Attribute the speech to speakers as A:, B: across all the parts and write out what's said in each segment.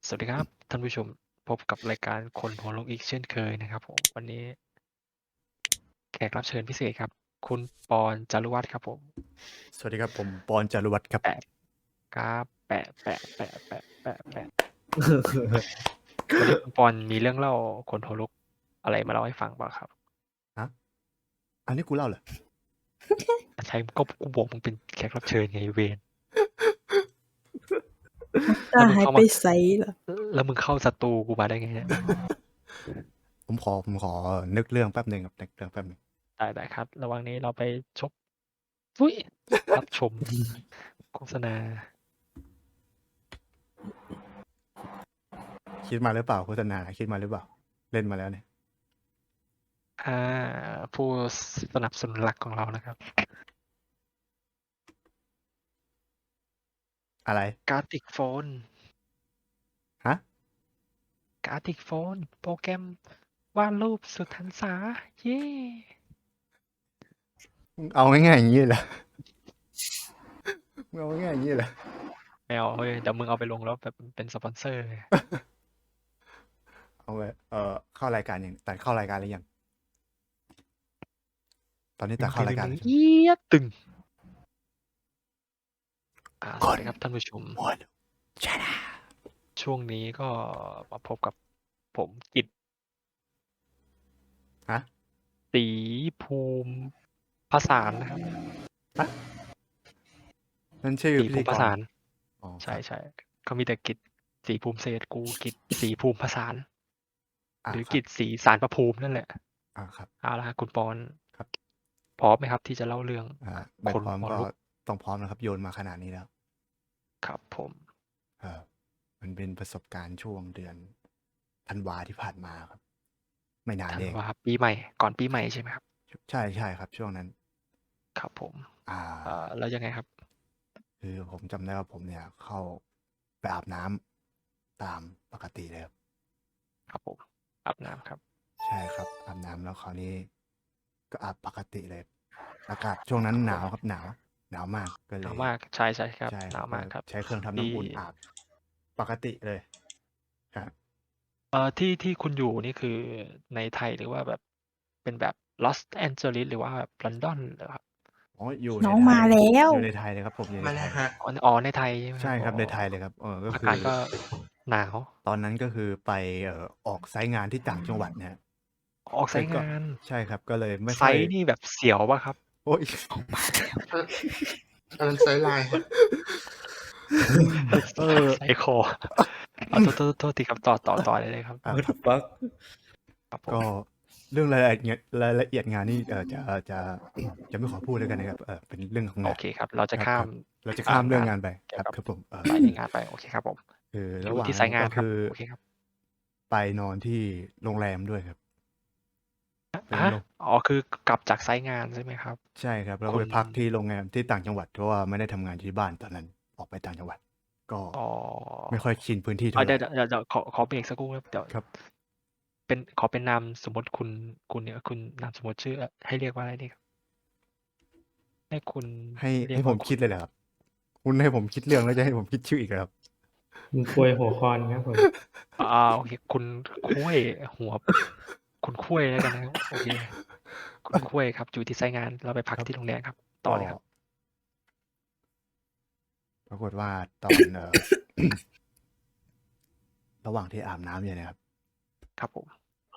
A: สวัสดีครับท่านผู้ชมพบกับรายการคนหัวโลกอีกเช่นเคยนะครับผมวันนี้แขกรับเชิญพิเศษครับคุณปอนจารุวัฒน์ครับผม
B: สวัสดีครับผมปอนจารุวัฒน์ครับ
A: แปะครับแปะวันนี้คุณปอนมีเรื่องเล่าคนหัวโลกอะไรมาเล่าให้ฟังบ้างครับ
B: ฮะ อันนี้กูเล่าเหรอ
A: ใช่ก็กูบอกมึงเป็นแขกรับเชิญไงเวน
C: ตาหายไปใสเหรอ
A: แล้วมึงเข้าสตูกูมาได้ไงเนี่ย
B: ผมขอนึกเรื่องแป๊บหนึ่งครับนึกเรื่องแป๊บหนึ่ง
A: ได้ครับ ระหว่างนี้เราไปชมอุ้ยรับชมโฆษณา
B: คิดมาหรือเปล่าโฆษณาคิดมาหรือเปล่า เล่นมาแล้วเนี่ย
A: ผู้สนับสนุนหลักของเรานะครับ
B: อะไร
A: การ์ติกโฟน
B: ฮะ
A: การ์ติกโฟน โปรแกรมวาดรูปสุดหันษา เย้
B: มึงเอาง่ายๆอย่างนี้เหรอ มึงเอาง่ายๆอย่างนี้เหรอ
A: ไม่เอาเฮ้ยเดี๋ยวมึงเอาไปลงแล้วแบบเป็นสปอนเซอร์
B: เอาไปเข้ารายการยังตัดเข้ารายการหรือยัง ตอนนี้ตัดเข้ารายการแล้วใช่ไหม
A: เยียดตึงสวัสดีครับท่านผู้ชม
B: หมดชนะ
A: ช่วงนี้ก็มาพบกับผมกิต
B: ฮะ
A: ศรีภูมิผสานนะครับ
B: นั่นชื่อ
A: ศรี
B: พิ
A: ภู
B: ธี
A: มิ
B: ก
A: ผ
B: ร
A: สาน
B: อ๋อ
A: ใช่เขามีแต่กิตศรีภูมิเศรษฐ์กูกิตศรีภูมิผสาน หรือกิตศรีสารประภูมินั่นแหละ
B: ครับ
A: เอาละคุณปอน
B: ครับ
A: พร้อมไหมครับที่จะเล่าเรื่อง
B: ไม่
A: คน
B: พร้อม
A: หัว
B: ก็
A: ลุก
B: ต้องพร้อมนะครับ โยนมาขนาดนี้แล้ว
A: ครับผม
B: มันเป็นประสบการณ์ช่วงเดือนธันวาที่ผ่านมาครับ ไม่นาน
A: ธัน
B: เอง
A: วาปีใหม่ก่อนปีใหม่ใช่ไหมครับ
B: ใช่ครับ ช่วงนั้น
A: ครับผม
B: อ่า
A: แล้วยังไงครับ
B: คือผมจำได้ว่าผมเนี่ยเข้าไปอาบน้ำตามปกติเลยครับ
A: ครับผมอาบน้ำครับ
B: ใช่ครับอาบน้ำแล้วคราวนี้ ก็อาบปกติเลย อากาศช่วงนั้นหนาวครับหนาวมากก็เล
A: หนาวย มากใช่ครับ
B: ใช่
A: หนาวมากครับ
B: ใช้เครื่องทำน้ำอุ่นอาบปกติเลยครับ
A: ที่คุณอยู่นี่คือในไทยหรือว่าแบบเป็นแบบลอสแอนเจลิสหรือว่าแบบลอนดอนเหรอครับ
B: อ๋ออยู่
C: น้อง
B: ในไท
C: มาย แล้ว
B: อยู่ในไทยเลยครับผมอยู่ใน
D: มา
B: ไท
D: แล้ว
B: ย
D: ฮะ
A: อ๋อในไทยใช่ไหม
B: ใช่ครับ
A: อ๋อ
B: ในไทยเลยครับก็
A: อา
B: คื
A: กาศ
B: อ
A: ก็หนาว
B: ตอนนั้นก็คือไปออกไซต์งานที่ต่างจังหวัดนะฮะ
A: ออกไซต์
B: ก็
A: งาน
B: ใช่ครับ ก็เลยไม่
A: ไซ
B: ค่อย
A: ต์นี่แบบเสียวป่ะครับ
B: โอ๊ย
D: อันนั้นไซส์ไลน์ฮะ
A: ไซต์คอโทษทีครับต่อได้เลยครับ
C: What the fuck
A: ครับผม
B: ก็เรื่องรายละเอียดงานนี่จะไม่ขอพูดแล้วกันนะครับเป็นเรื่องของ
A: โอง
B: าน
A: เคครับ เราจะ
B: ครับ
A: ข้าม
B: เราจะข้ามเรื่องงานไป
A: เกี่
B: ค
A: ย
B: รั
A: ว
B: บ
A: กับ
B: ครับผม
A: สายในงานไปโอเคครับผม
B: ระ
A: อ
B: ห
A: ยู่
B: ว่าง
A: ที่ไซต์งาน
B: ก็
A: ครับ
B: คือ
A: โอเคครับ
B: ไปนอนที่โรงแรมด้วยครับเป็น
A: ฮะ
B: โรง
A: อ๋อคือกลับจากไซต์งานใช่ไหมครับ
B: ใช่ครับแล้ว
A: คุ
B: ก็
A: ณ
B: ไปพักที่โรงแรมที่ต่างจังหวัดเพราะว่าไม่ได้ทำงานที่บ้านตอนนั้นออกไปต่างจังหวัด ก็
A: อ๋อ
B: ไม่ค่อยชินพื้นที่เท่าไห
A: เดี๋
B: ร่
A: ยวขอเบรกสักครู่ครับเดี๋ยว
B: ครับ
A: ขอเป็นนามสมมติคุณเนี่ยคุณนามสมมติชื่อให้เรียกว่าอะไรดีครับ ให้คุณ
B: ให้
A: เรียก
B: ให้ผ
A: ว่าม
B: คิดเลยเหรอครับ คุณให้ผมคิดเรื่องแล้วจะให้ผมคิดชื่ออีกเหรอครับ
E: คุณควยหัวคอนครับผม
A: โอเคคุณคุ้ยหัว คุณคุ้ยแล้วกันนะครับโอเคคุณคุ้ยครับอยู่ที่ไซต์งานเราไปพัก
B: ครับ
A: ที่โรงแรมครับ ต่อเลยครับ
B: ปรากฏว่าตอน ระหว่างที่อาบน้ำอยู่นะครับ
A: ครับผม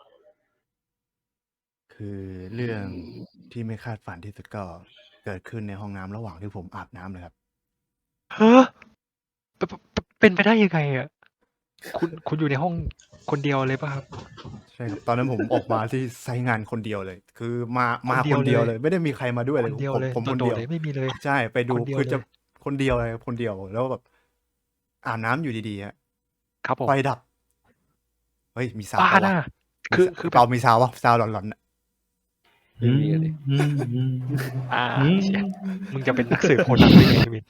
B: คือเรื่องที่ไม่คาดฝันที่สุดก็เกิดขึ้นในห้องน้ำระหว่างที่ผมอาบน้ำเลยครับ
A: ฮะเป็นไปได้ยังไงอ่ะคุณอยู่ในห้องคนเดียวเลยป่ะครับ
B: ใช่ครับตอนนั้นผมออกมาที่ไซต์งานคนเดียวเลย คือมา
A: คนเดี
B: ค
A: ยวน
B: เดียว
A: เลย
B: เลย ไม่ได้มีใครมาด้วย
A: ค
B: เลย
A: นเดียวเลย
B: ผมคน
A: โด
B: เดี
A: ด
B: ยว
A: ๆเลยไม่มีเลย
B: ใช่ไปดู
A: คนเดียว
B: คือจะ
A: เลย
B: คนเดียวเลยคนเดียวแล้วแบบอาบน้ำอยู่ดีๆฮะ
A: ครับผม
B: ไฟดับ เฮ้ยมีซาว
A: บ้า
B: ด์
A: น่ะ
B: วะ
A: คือแบ
B: เรา
A: บ
B: มีซาวด์วะซาวด์หลอนๆน่ะ
A: ไม่มีเลยเชี่ยมึงจะเป็นนักสืบโคนันได้ไงวิน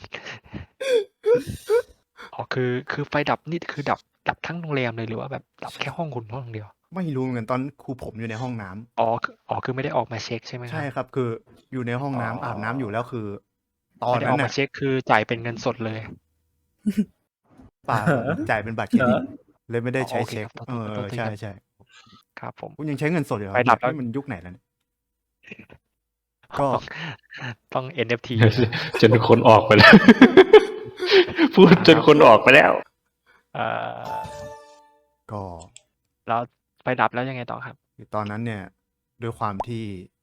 A: อ๋อคือไฟดับนี่คือดับทั้งโรงแรมเลยหรือว่าแบบดับแค่ห้องคุณห้องเดียว
B: ไม่รู้เหมือนกันตอนครูผมอยู่ในห้องน้ำ
A: อ๋อคือไม่ได้ออกมาเช็คใช่ไหมค
B: ใช่
A: รับ
B: ครับ คืออยู่ในห้องน้ำ
A: อ๋ออ
B: อาบน้ำอยู่แล้วคือ ตอน
A: ไม่ได้อ
B: นั้
A: อน กมา
B: น่ะ
A: เช็คคือจ่ายเป็นเงินสดเลย
B: เปล่าผมจ่ายเป็นบัตรเครดิตเลยไม่ได้ใช้
A: โอเค
B: เช็ค
A: ครับ
B: เออ
A: ต้นตี
B: ใช่
A: กัน
B: ใช่
A: ครับผม
B: คุณยังใช้เงินสดอยู่เหรอ
A: ไฟดับแล้ว
B: นี่มันยุคไหนแล้วเนี่ย ก็
A: ต้อง NFT
E: จนคนออกไปแล้ว พูดจนคนออกไปแล้ว
A: เอ่อ
B: ก็
A: แล้วไฟดับแล้วยังไงต่อครับ
B: ตอนนั้นเนี่ย ด้วยความที่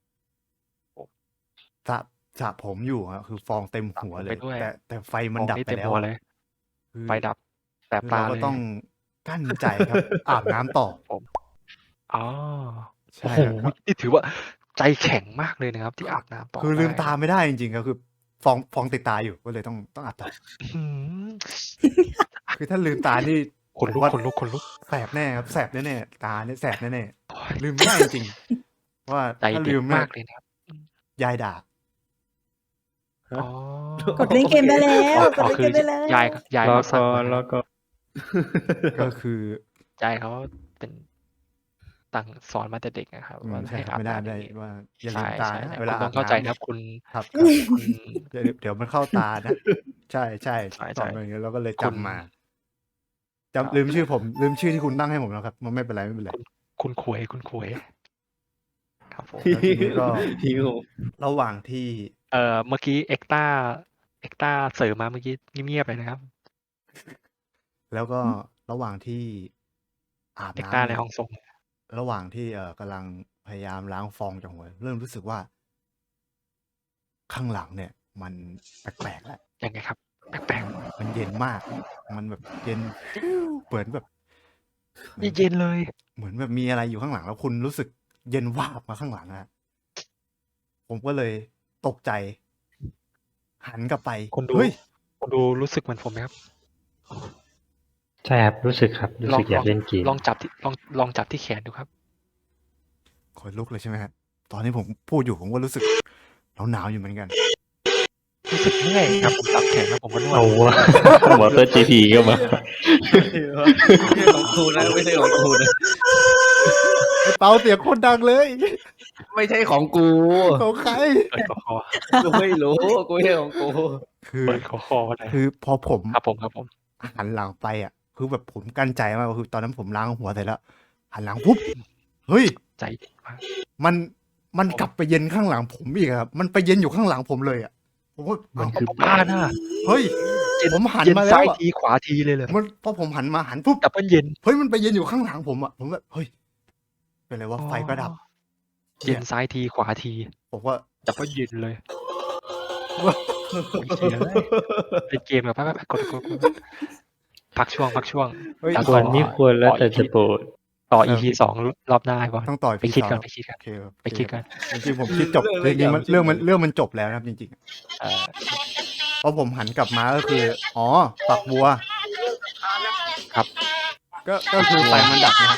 B: สระผมอยู่อะคือฟองเต็มหัวเล
A: ไป
B: ย
A: ด้วย
B: แต่ไฟมัน
A: ฟอง
B: ดับ
A: นี่
B: ไป
A: เต็ม
B: แล้ว
A: หัว
B: อะ
A: เลย
B: คือ
A: ไฟดับแสบ
B: คือ
A: ตา
B: เรา
A: เล
B: ก็
A: ย
B: ต้องกั้นใจครับ อาบน้ำต่อ
A: อ๋อ
B: ใช่
A: โอ้โห
B: ครับ
A: นี่ถือว่าใจแข็งมากเลยนะครับ ที่อาบน้ำต่อ
B: คือลืม
A: ได้
B: ตาไม่ได้จริงๆครับคือฟองติดตาอยู่ก็เลยต้องอาบต่อ
A: อื้อหือ
B: คือถ้าลืมตานี่
A: ขนลุก
B: ว่า
A: ขนลุกขนลุก
B: แสบแน่ครับแสบแน่ๆตาเนี่ยแสบแน่ๆลืมไม่ได้จริงๆว่า
A: ใจ
B: ถ้า
A: เด็
B: ลื
A: ด
B: มเนี่ย
A: มากเลยนะครับ
B: ยายด่า
A: อ๋อ
C: กดเล่นเกมได้แล้ว กด
A: อ๋อ
C: เล่น
A: คื
C: เก
A: อ
C: มได้แล้ว
A: ยายยาย
E: แล้ว
A: เขาสั่
E: ก็
A: งมา
E: แล้วก็
B: ก็คือ
A: ยายเขาเป็นตั้งสอนมาแต่เด็กนะครับ ว่า
B: ใช่
A: ให้
B: ครับ
A: อาบ
B: ไม่ได้
A: น้ำอ
B: ไม่ได้
A: ย่างนี้
B: ว่าอย่าลื
A: ใช่
B: มตา
A: ใช่
B: นะ
A: ใช่
B: เว
A: คุ
B: ลา
A: ณต้
B: อา
A: อง
B: บ
A: เข้าใจ
B: น้ำ
A: นะครับ คุณ
B: ครับ
A: คุณ
B: เดี๋ยวมันเข้าตานะ ใช่ใช่
A: ใช่
B: สอนมาอย่างเงี้ยเราก็เลย
A: คุณ
B: จำมา
A: ครับ
B: ลืมชื่อผม ลืมชื่อที่คุณตั้งให้ผมแล้วครับมันไม่เป็นไรไม่เป็นไร
A: คุณขวยคุณขวยครับผม
B: แล้วทีนี้ก็
E: หิว
B: ระหว่างที่
A: เมื่อกี้เอ็กต้าเสริมมาเมื่อกี้เงียบๆเลยนะครับ
B: แล้วก็ระหว่างที่อาบ
A: เอ็ก
B: น้ำ
A: ต้าใน
B: เนี่ย
A: ห้องส่ง
B: ระหว่างที่กำลังพยายามล้างฟองจากหัวเริ่มรู้สึกว่า ข้างหลังเนี่ย มันแปลกๆแล้ว
A: ยังไงครับ แปลก
B: มันเย็นมาก มันแบบเย็นเหมือนแบบ
A: ๆเย็นๆเลย
B: เหมือนแบบมีอะไรอยู่ข้างหลัง แล้วคุณรู้สึกเย็นวาบมาข้างหลังอะผมก็เลยตกใจ หันกลับไป
A: คุณดู
B: เฮ้ย
A: คุณดูรู้สึกเหมือนผมไหมครับ
E: ใช่ครับรู้สึกครับ รู้สึกอยากเล่นเกม
A: ลองจับที่ลองจับที่แขนดูครับ
B: ขนลุกเลยใช่ไหมครับตอนนี้ผมพูดอยู่ผมก็รู้สึกหนาวๆอยู่เหมือนกัน
A: รู้สึกเมื่อยครับผมจับแขนแล้วผมก็นวด
E: เอาวะ มอเตอร์ GP ก็มา
D: ไม่ใช่ของกูนะไม่ใช่ของกูนะ
B: ไอ้เปาเสียงโคนดังเลย
D: ไม่ใช่ของกู
B: ของใคร
A: เปิดคอ
D: กูไม่รู้กูไม่ใช่ของกู
B: คือ
A: เปิดคอเลย
B: คือพอผม
A: ครับผมครับผม
B: หันหลังไปอ่ะ คือแบบผมกั้นใจมากคือตอนนั้นผมล้างหัวเสร็จแล้ว หันหลังปุ๊บเฮ้ย
A: ใจเด็ดมาก
B: มันกลับไปเย็นข้างหลังผมอีกครับ มันไปเย็นอยู่ข้างหลังผมเลยอ่ะผมก็
E: มันคือ
A: บ้าน่ะ
B: เฮ้ย ผมหัน
A: เย็น
B: มาแล้
A: ซ้า
B: วย อะ
A: ทีขวาทีเลยเลย
B: มันพอผมหันมาหันปุ๊บ
A: ดับเบิลเย็น
B: เฮ้ยมันไปเย็นอยู่ข้างหลังผมอ่ะผมแบบเฮ้ยเป็นไรวะไฟก็ดับ
A: เย็นซ้ายทีขวาที
B: ผมว่า
A: ดับเบิลเย็นเลยโอ้ยเหี้ยเป็นเกมแบบไปกดพักช่วง
B: เฮ้ย
A: จาก
E: ควรไม่ควรแล้วแต่จะโปรด
A: ต่อ EP 2 รอบหน้าบอล
B: ต้องต่อย
A: ไปคิดกัน
B: โอเคครับ
A: ไปคิดกัน
B: จริงๆผมคิดจบจริงๆมันเรื่องมันจบแล้วนะครับจริงๆ
A: เอ่อ
B: พอผมหันกลับมาก็คือ อ๋อ ฝักบัว
A: ครับ
B: ก็คือไฟมันดับนะครับ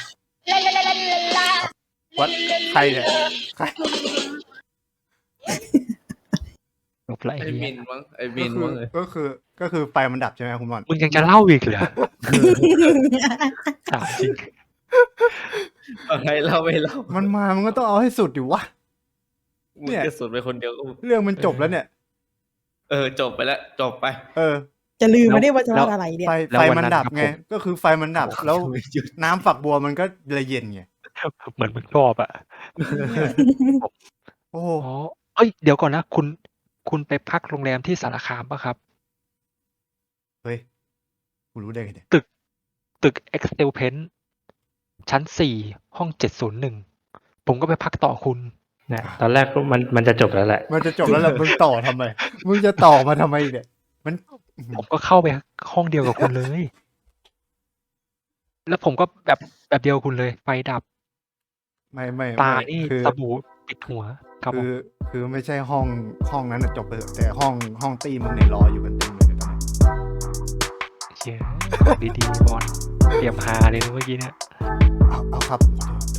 B: วัดใครเนี่ยใคร
A: จบละ
D: ไอ้
A: ไอ้
D: มิ
A: เหี้ย
D: นมั้งไอ้มินมั้งเลย
B: ก็คือไฟมันดับใช่ไหมครับคุณบอล
A: มึงยังจะเล่าอีกเหรอถามจริง
D: อะไรเล่าไม่เล่า
B: มันก็ต้องเอาให้สุดดิวะ
D: มึง
B: เนี่ย
D: จะสุดไปคนเดียวก็
B: เรื่องมันจบแล้วเนี่ย
D: จบไปแล้วจบไป
B: เออ
C: จะลืมไม่ได้ว่าจะว่าอะไรเนี่ย
B: ไฟมันดับไง ก็คือไฟมันดับ แล้วน้ำฝักบัวมันก็เลยเย็นไง
A: เหมือนมึงชอบอ่ะ
B: โอ้โห
A: อ๋อเอ้ยเดี๋ยวก่อนนะคุณไปพักโรงแรมที่สารคามป่ะครับ
B: เฮ้ยกูรู้ได้ไงเนี่ย
A: ตึก Excel Pen ชั้น 4 ห้อง 701 ผมก็ไปพักต่อคุณ
E: นะตอนแรกก็มันจะจบแล้วแหละ
B: มันจะจบแล้วล่ะมึงต่อทำไม มึงจะต่อมาทำไมเนี่ย มัน
A: ผมก็เข้าไปห้องเดียวกับคุณเลย แล้วผมก็แบบเดียวกับคุณเลย ไฟดับ
B: ไม่
A: ตานี่
B: คือ
A: สบู่ปิดหัวครับผม
B: คือไม่ใช่ห้องนั้นน่ะจบไปเถอะแต่ห้องตีมึงเนี่ยรออยู่กันเต็มเลยตอนนี้
A: เชี่ยดีๆบอลเตรียมฮาเลยนะเมื่อกี้เนี่ย
B: เอาครับ